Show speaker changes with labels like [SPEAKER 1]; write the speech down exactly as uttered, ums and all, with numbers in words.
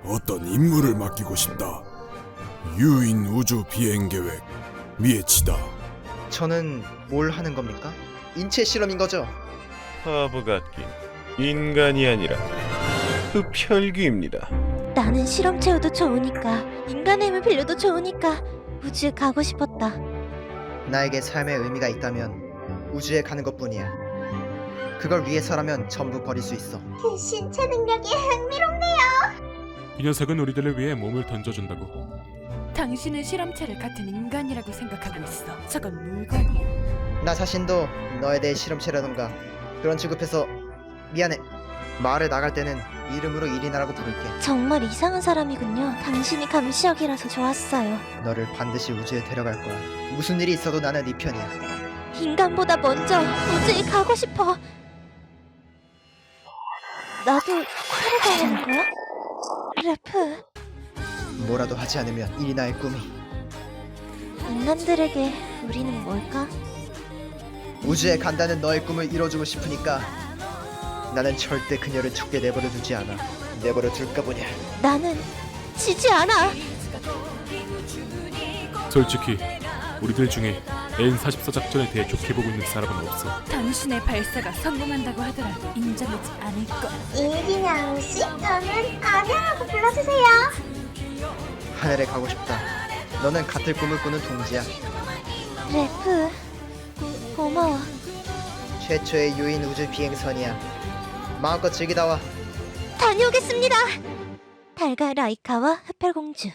[SPEAKER 1] 어떤 임무를 맡기고 싶다. 유인 우주 비행 계획 미에치다.
[SPEAKER 2] 저는 뭘 하는 겁니까? 인체 실험인 거죠?
[SPEAKER 3] 바보 같긴. 인간이 아니라 흡혈귀입니다.
[SPEAKER 4] 나는 실험 채우도 좋으니까, 인간의 힘을 빌려도 좋으니까 우주에 가고 싶었다.
[SPEAKER 2] 나에게 삶의 의미가 있다면 우주에 가는 것뿐이야. 그걸 위해서라면 전부 버릴 수 있어.
[SPEAKER 5] 그 신체 능력이 흥미롭네요.
[SPEAKER 6] 이 녀석은 우리들을 위해 몸을 던져준다고.
[SPEAKER 7] 당신은 실험체를 같은 인간이라고 생각하고 있어. 저건 물건이야.
[SPEAKER 2] 나 자신도 너에 대해 실험체라던가 그런 취급해서 미안해. 마을에 나갈 때는 이름으로 이리나라고 부를게.
[SPEAKER 4] 정말 이상한 사람이군요. 당신이 감시역이라서 좋았어요.
[SPEAKER 2] 너를 반드시 우주에 데려갈 거야. 무슨 일이 있어도 나는 네 편이야.
[SPEAKER 4] 인간보다 먼저 우주에 가고 싶어. 나도 살아가는 거야? 래프,
[SPEAKER 2] 뭐라도 하지 않으면 이리나의 꿈이
[SPEAKER 4] 인간들에게 우리는 뭘까?
[SPEAKER 2] 우주에 간다는 너의 꿈을 이뤄주고 싶으니까 나는 절대 그녀를 죽게 내버려 두지 않아. 내버려 둘까 보냐.
[SPEAKER 4] 나는 지지 않아.
[SPEAKER 6] 솔직히 우리들 중에 엔 사십사 작전에 대해 좋게 보고 있는 사람은 없어.
[SPEAKER 7] 당신의 발사가 성공한다고 하더라도 인정하지 않을 거야.
[SPEAKER 5] 이기냥 씨, 저는 아냐라고 불러주세요.
[SPEAKER 2] 하늘에 가고 싶다. 너는 같은 꿈을 꾸는 동지야.
[SPEAKER 4] 래프, 고마워.
[SPEAKER 2] 최초의 유인 우주 비행선이야. 마음껏 즐기다 와.
[SPEAKER 4] 다녀오겠습니다. 달걀 라이카와 흡혈공주.